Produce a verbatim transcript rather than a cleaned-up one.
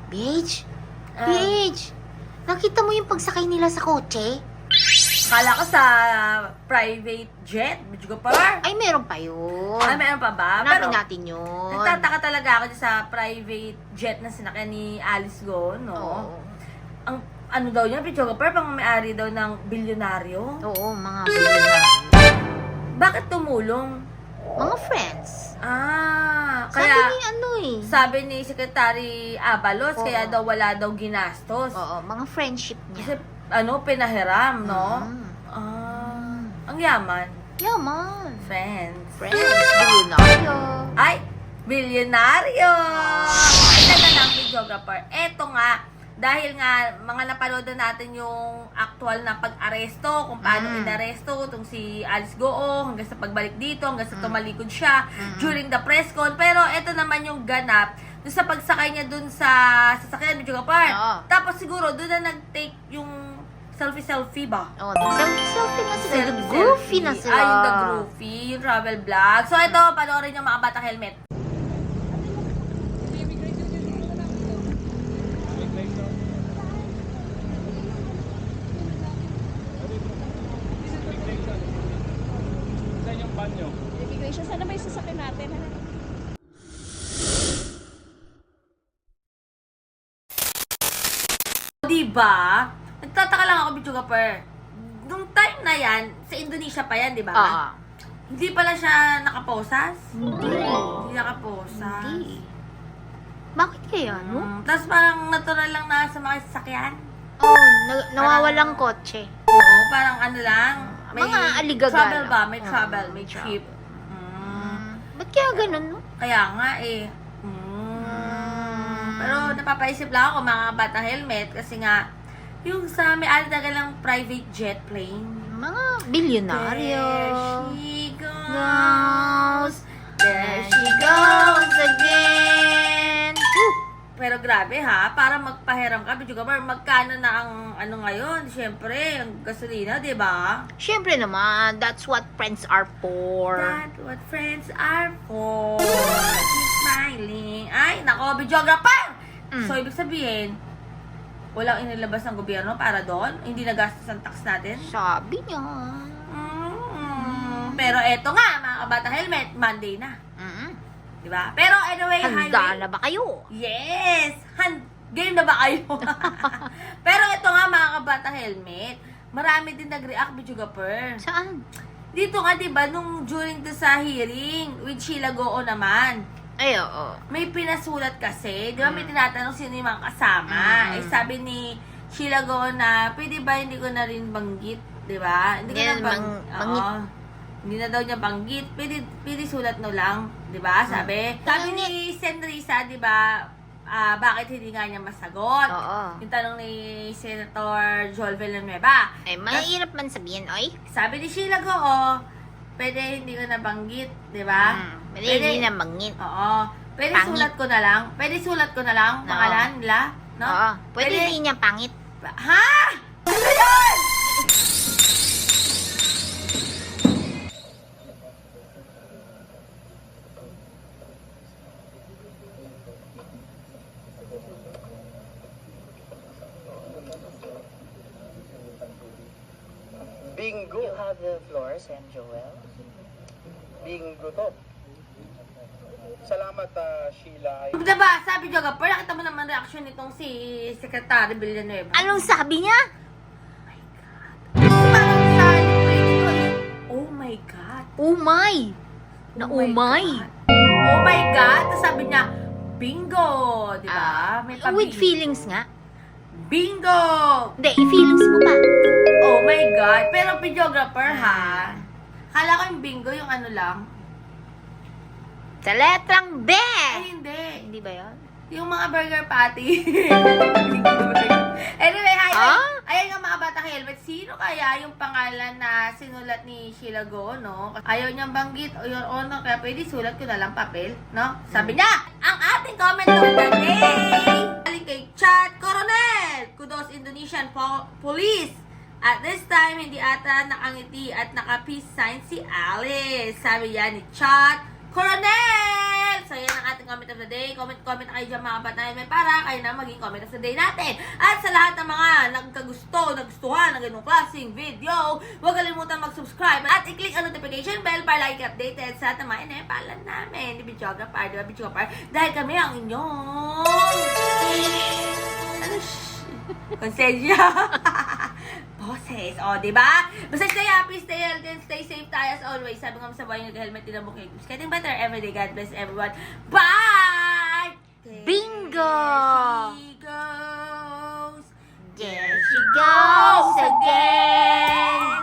Beige? Ah. Beige? Nakita mo yung pagsakay nila sa kotse? Kala ko sa private jet, medyo pa. Ay, meron pa yun. Ay, meron pa ba? Hanapin Pero, natin yun. nagtataka talaga ako dyan sa private jet na sinakyan ni Alice Go, no? Oo. Ang ano daw niya, Picho Gapar, pang may-ari daw ng bilyonaryo. Oo, mga billionaire. Bakit tumulong? Mga friends. Ah, Sabi kaya ni ano eh. sabi ni Secretary Abalos, Oo. kaya daw wala daw ginastos. Oo, mga friendship Kasi niya. ano, pinahiram, no? Mm. Ah, ang yaman. Yaman. Friends. Friends. Billionaire. Ay, bilyonaryo! Ito na lang, videographer. Eto nga, dahil nga, mga napanood na natin yung actual na pag-aresto, kung paano Mm. inaresto, itong si Alice Goo, hanggang sa pagbalik dito, hanggang sa Mm. tumalikod siya, Mm. during the press con. Pero eto naman yung ganap, dun sa pagsakay niya dun sa sasakyan, videographer. Oo. Tapos siguro, dun na nag-take yung selfie-selfie ba? Oh, selfie na sila. Selfie, Goofy na sila. Ay, yung the groovy, yung travel vlog. So, ito, panoorin yung mga bata helmet. Saan yung banyo? Immigration, sana may sasakyan natin. Ha? Diba? Nagtataka lang ako, Bichugapper. Nung time na yan, sa Indonesia pa yan, di ba? Oo. Hindi pala siya nakaposas? Hindi. Hindi nakaposas. Hindi. Bakit kaya, no? Mm, Tapos parang natural lang na sa mga sasakyan. Oh, na- nawawalang kotse. Oo, parang ano lang. Mga aligagala. Travel ba? May Oo, travel, may travel. trip. Mm. Mm. Ba't kaya ganun, no? Kaya nga eh. Mm. Pero napapaisip lang ako mga bata helmet kasi nga yung sa may ali talaga lang private jet plane. Mga bilyonaryo. There she goes. Goes. There she goes again. Woo! Pero grabe ha, para magpahiram ka, Bidyo Gabar, magkano na ang ano ngayon? Siyempre, ang gasolina, di ba? Siyempre naman, that's what friends are for. That's what friends are for. Keep smiling. Ay, nako, videographer! Mm. So, ibig sabihin, walang inilabas ng gobyerno para doon? Hindi nagastos ang tax natin? Sabi niya. Mm. Pero eto nga, mga kabata helmet, Monday na. Mm. Diba? Pero anyway, Handa highway- na ba kayo? Yes! Han Game na ba kayo? Pero ito nga mga kabata helmet, marami din nag-react, Bichugapper. Saan? Dito nga, diba, nung during the sa hearing with Sheila Goo naman, Ay, oo. may pinasulat kasi, di ba may Mm. tinatanong sino yung mga kasama. Mm. Eh sabi ni Sheila Goo na, pwede ba hindi ko na rin banggit, di ba? Hindi ko Yan, na bang... mang- Oo. bangit. Hindi na daw niya banggit. Pwede, pwede sulat no lang, di ba? Sabi. Sabi ni Senrisa, di ba, ah, bakit hindi nga niya masagot? Oo. Yung tanong ni Senator Joel Villanueva. Ay, mahirap man sabihin, oy. Sabi ni Sheila Goo, pwede hindi ko na banggit, di ba? Mm. Pwede hindi na mangin. Oo. Pwede Pangit. sulat ko na lang. Pwede sulat ko na lang. Oo. Pangalan nila. No? Oo. Pwede, hindi niya pangit. Ha? Ano yun? Bingo. You have the floor, Sen Joel. Bingo to. Salamat, ah, Sheila. Diba, sabi niyo nga, pero nakita mo naman reaction nitong si Secretary Villanueva. Anong sabi niya? Parang sa libre nito is, oh my God. Oh my! Na Oh oh my! God. Oh my God. Tapos sabi niya, bingo. Diba? Ah, May with tabi. feelings nga. Bingo. Hindi, i-feelings mo pa. Oh my God. Pero videographer Ah. ha. Kala ko yung bingo yung ano lang. Sa letrang B! Ay, hindi. Hindi ba yun? Yung mga burger patty. Anyway, hi. Ah? Ayan nga mga bata helmet. Sino kaya yung pangalan na sinulat ni Sheila Goo, no? Ayaw niyang banggit o your honor, kaya pwede sulat ko na lang papel, no? Sabi niya, ang ating comment of the day, galing kay Chad Coronel, Kudos Indonesian po- Police. At this time, hindi ata nakangiti at naka-peace sign si Alice. Sabi yan ni Chad Coronel! So, yan ang ating comment of the day. Comment, comment na kayo dyan mga kapatid. May para kayo na maging comment of the day natin. At sa lahat ng mga nagkagusto, nagustuhan ng ganung klaseng video, huwag kalimutan mag-subscribe at i-click ang notification bell para lagi updated sa lahat ng mga inepalan namin. Di Videographer, di ba Videographer? Dahil kami ang inyong... Ano sh... Konsensya. Boses. O, di ba? Basta stay happy, stay healthy, and stay safe tayo as always. Sabi nga sa buhay nyo, helmet din ang bukay. Getting better every day. God bless everyone. Bye! Bingo! There she goes. There she goes again!